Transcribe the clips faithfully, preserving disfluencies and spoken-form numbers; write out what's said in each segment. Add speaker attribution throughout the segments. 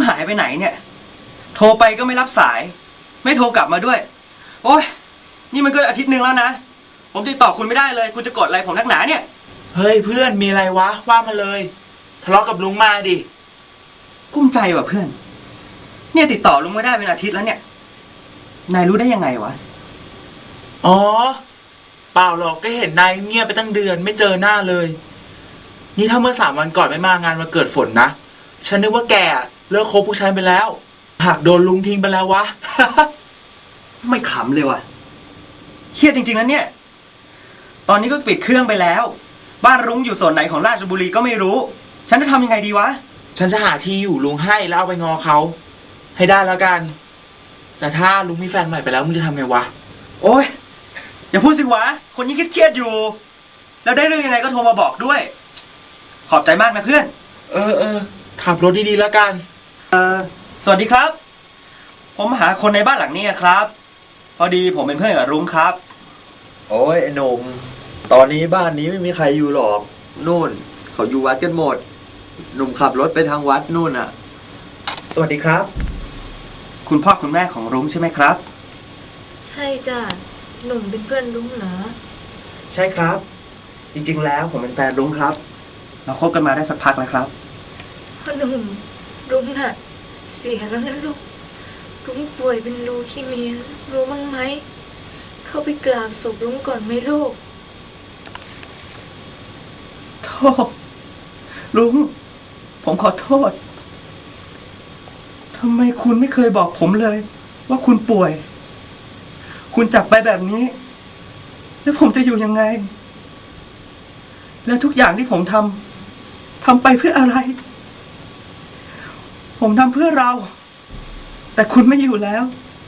Speaker 1: หายไปไหนเนี่ยโทรไปก็ไม่รับสายไม่โทรกลับมาด้วยโอ้ยนี่มันก็อาทิตย์หนึ่งแล้วนะผมติดต่อคุณไม่ได้เลยคุณจะกดอะไรผมนักหนาเนี่ย
Speaker 2: เฮ้ยเพื่อนมีอะไรวะว่ามาเลยทะเลาะกับลุงมาดิ
Speaker 1: กุ้มใจว่ะเพื่อนเนี่ยติดต่อลุงไม่ได้เป็นอาทิตย์แล้วเนี่ยนายรู้ได้ยังไงวะ
Speaker 2: อ๋อเปล่าหรอกก็เห็นนายเงียบไปตั้งเดือนไม่เจอหน้าเลยนี่ถ้าเมื่อสามวันก่อนไม่มางานวันเกิดฝนนะฉันนึกว่าแกเลิกคบผู้ชายไปแล้วหากโดนลุงทิ้งไปแล้ววะ
Speaker 1: ไม่ขำเลยว่ะเครียดจริงๆนะเนี่ยตอนนี้ก็ปิดเครื่องไปแล้วบ้านรุ้งอยู่ส่วนไหนของราชบุรีก็ไม่รู้ฉันจะทำยังไงดีวะ
Speaker 2: ฉันจะหาที่อยู่ลุงให้แล้วเอาไปงอเขาให้ได้แล้วกันแต่ถ้าลุงมีแฟนใหม่ไปแล้วมึงจะทำไงวะ
Speaker 1: โอ๊ยอย่าพูดสิวะคนยิ่งเครียดอยู่แล้วได้เรื่องยังไงก็โทรมาบอกด้วยขอบใจมากนะเพื่อน
Speaker 2: เออเออขับรถดีๆแล้วกัน
Speaker 1: เออสวัสดีครับผมหาคนในบ้านหลังนี้ครับพอดีผมเป็นเพื่อนกับรุ้งครับ
Speaker 3: โอ้ยไอ้หนุ่มตอนนี้บ้านนี้ไม่มีใครอยู่หรอกนู่นเขาอยู่วัดกันหมดหนุ่มขับรถไปทางวัดนู่นอ่ะ
Speaker 1: สวัสดีครับคุณพ่อคุณแม่ของรุ้งใช่ไหมครับ
Speaker 4: ใช่จ้ะหนุ่มเป็นเพื่อนรุ้งเหรอ
Speaker 1: ใช่ครับจริงๆแล้วผมเป็นแฟนรุ้งครับเราคบกันมาได้สักพักแล้วครับ
Speaker 4: พ่อหนุ่มรุ้งน่ะเสียแล้วนะลูกรุ้งป่วยเป็นลูคีเมียรู้มั้งไหมเข้าไปกราบศพรุ้งก่อนไหมลูก
Speaker 1: โทษรุ้งผมขอโทษทำไมคุณไม่เคยบอกผมเลยว่าคุณป่วยคุณจากไปแบบนี้แล้วผมจะอยู่ยังไงแล้วทุกอย่างที่ผมทำทำไปเพื่ออะไรผมทำเพื่อเราแต่คุณไม่อยู่แล้ว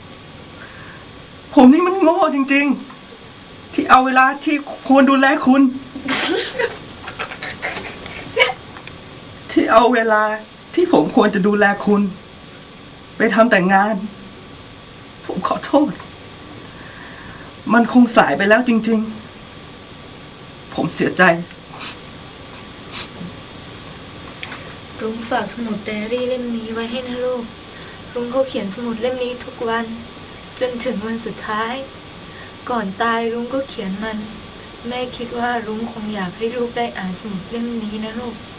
Speaker 1: ผมนี่มันโง่จริงๆที่เอาเวลาที่ควรดูแลคุณที่เอาเวลาที่ผมควรจะดูแลคุณไปทำแต่งานผมขอโทษมันคงสายไปแล้วจริงๆผมเสียใจ
Speaker 4: รุ้งฝากสมุดไดอารี่เล่มนี้ไว้ให้นะลูกรุ้งเขาเขียนสมุดเล่มนี้ทุกวันจนถึงวันสุดท้ายก่อนตายรุ้งก็เขียนมันแม่คิดว่ารุ้งคงอยากให้ลูกได้อ่านสมุดเล่มนี้นะลูก